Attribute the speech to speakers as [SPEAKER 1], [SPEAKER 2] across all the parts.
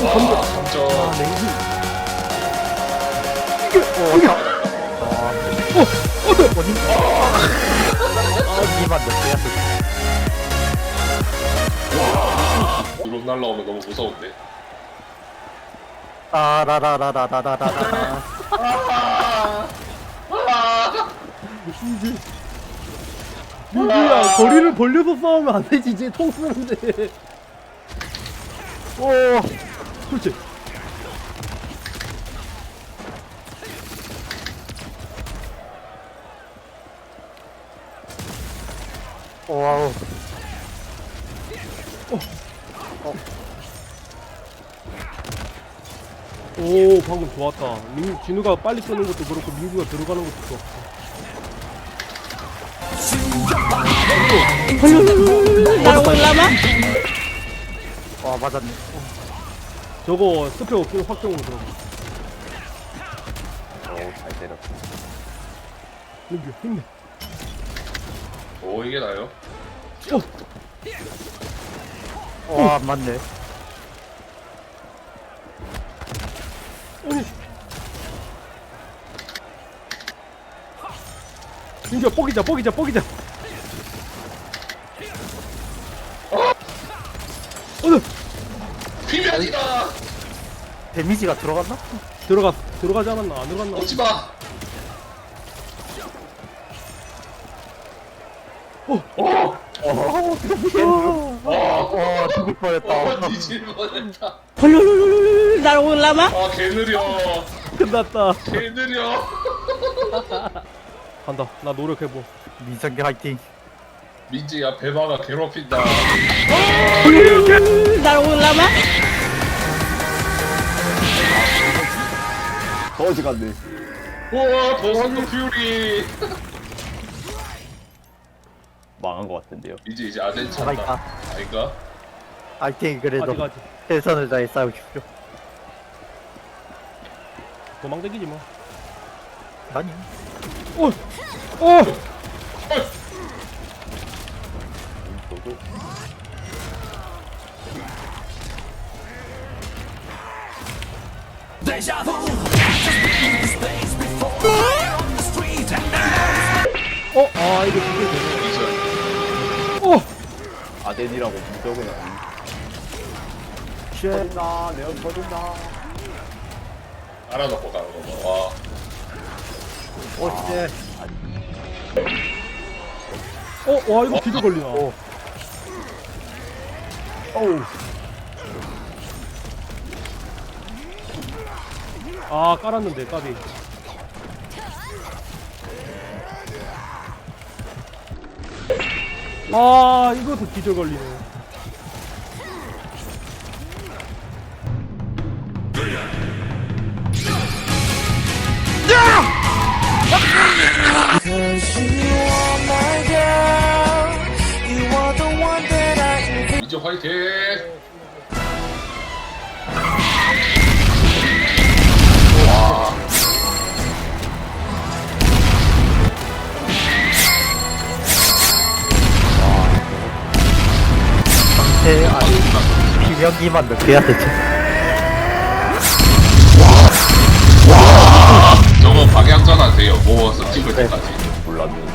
[SPEAKER 1] 건져.
[SPEAKER 2] 진짜.
[SPEAKER 1] 냉기.
[SPEAKER 3] 니만 몇 개야?
[SPEAKER 2] 드론 날라오면 너무 무서운데.
[SPEAKER 3] 라라라라라라라라.
[SPEAKER 1] 민규야, 거리를 벌려서 싸우면 안 되지. 이제 통 쓰는데.
[SPEAKER 3] 오,
[SPEAKER 1] 그렇지.
[SPEAKER 3] 와우.
[SPEAKER 1] 오, 방금 좋았다. 진우가 빨리 끄는 것도 그렇고 민규가 들어가는 것도 좋았어.
[SPEAKER 4] 날 올라마?
[SPEAKER 3] 와, 맞았네.
[SPEAKER 1] 저거 스펙 없으면 확정으로 들어가.
[SPEAKER 5] 잘 때렸어.
[SPEAKER 1] 민규 힘내.
[SPEAKER 2] 오, 이게 나요?
[SPEAKER 3] 와, 맞네.
[SPEAKER 1] 민규야, 뽀기자.
[SPEAKER 2] 비면이다!
[SPEAKER 3] 데미지가 들어갔나?
[SPEAKER 1] 들어가지 않았나? 안 들어갔나?
[SPEAKER 2] 오지 마!
[SPEAKER 3] 죽을 뻔했다.
[SPEAKER 2] 뒤질 뻔했다.
[SPEAKER 4] 헐룰룰룰룰 날 올라마?
[SPEAKER 2] 아, 개 느려.
[SPEAKER 1] 끝났다.
[SPEAKER 2] 개 느려.
[SPEAKER 1] 간다. 나 노력해보.
[SPEAKER 3] 민성기 화이팅.
[SPEAKER 2] 민지야, 배마가 괴롭힌다.
[SPEAKER 4] 헐룰룰룰 날 올라마?
[SPEAKER 5] 더 어지 갔네.
[SPEAKER 2] 우와, 도선도 퓨리.
[SPEAKER 5] 망한 것 같은데요.
[SPEAKER 2] 민지 이제 아덴
[SPEAKER 3] 살아있다.
[SPEAKER 2] 찬다. 아닌가?
[SPEAKER 3] 화이팅, 그래도.
[SPEAKER 1] 아직.
[SPEAKER 3] 최선을 다해 싸우십시오.
[SPEAKER 1] 도망다니지 뭐.
[SPEAKER 3] 아니.
[SPEAKER 5] 저도
[SPEAKER 1] 아, 이거 그게 되네.
[SPEAKER 2] 이제
[SPEAKER 5] 아덴이라고 무적은 아니. 터진다, 내가 터진다.
[SPEAKER 2] 알아놓고 가는 거 봐. 와.
[SPEAKER 3] 오, 씨.
[SPEAKER 1] 와, 이거 기도 걸리나.
[SPEAKER 3] 어우.
[SPEAKER 1] 아, 깔았는데, 까비. 아, 이것도 기절 걸리네.
[SPEAKER 2] 민지 화이팅!
[SPEAKER 3] 비명기만 몇 개야, 대체?
[SPEAKER 2] 저거 방향 전환돼요. 모아서 찍을 때까지.
[SPEAKER 5] 몰랐네.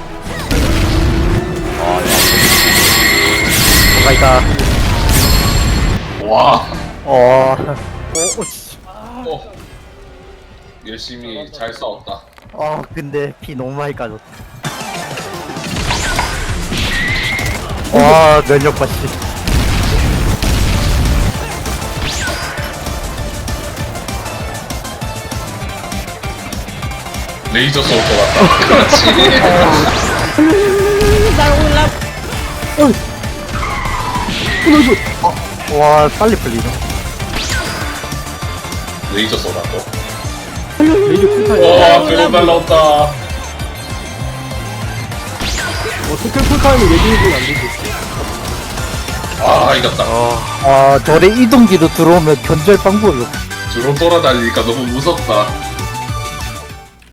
[SPEAKER 3] 뭐가 있다.
[SPEAKER 2] 와.
[SPEAKER 3] 씨.
[SPEAKER 2] 열심히 잘 싸웠다.
[SPEAKER 3] 근데 피 너무 많이 까졌다. 와, 면역 받치.
[SPEAKER 2] 레이저 쏠 것 같다. 그렇지.
[SPEAKER 4] 날 올라마?
[SPEAKER 3] 와, 빨리 풀리네.
[SPEAKER 2] 레이저 쏘라고.
[SPEAKER 1] 레이저 풀타임.
[SPEAKER 2] 와, 드론 날라온다.
[SPEAKER 1] 스킬 풀타임은 예진이는 안 되지.
[SPEAKER 2] 아, 이겼다.
[SPEAKER 3] 저래 이동기로 들어오면 견제할 방법이 없어.
[SPEAKER 2] 드론 돌아다니니까 너무 무섭다.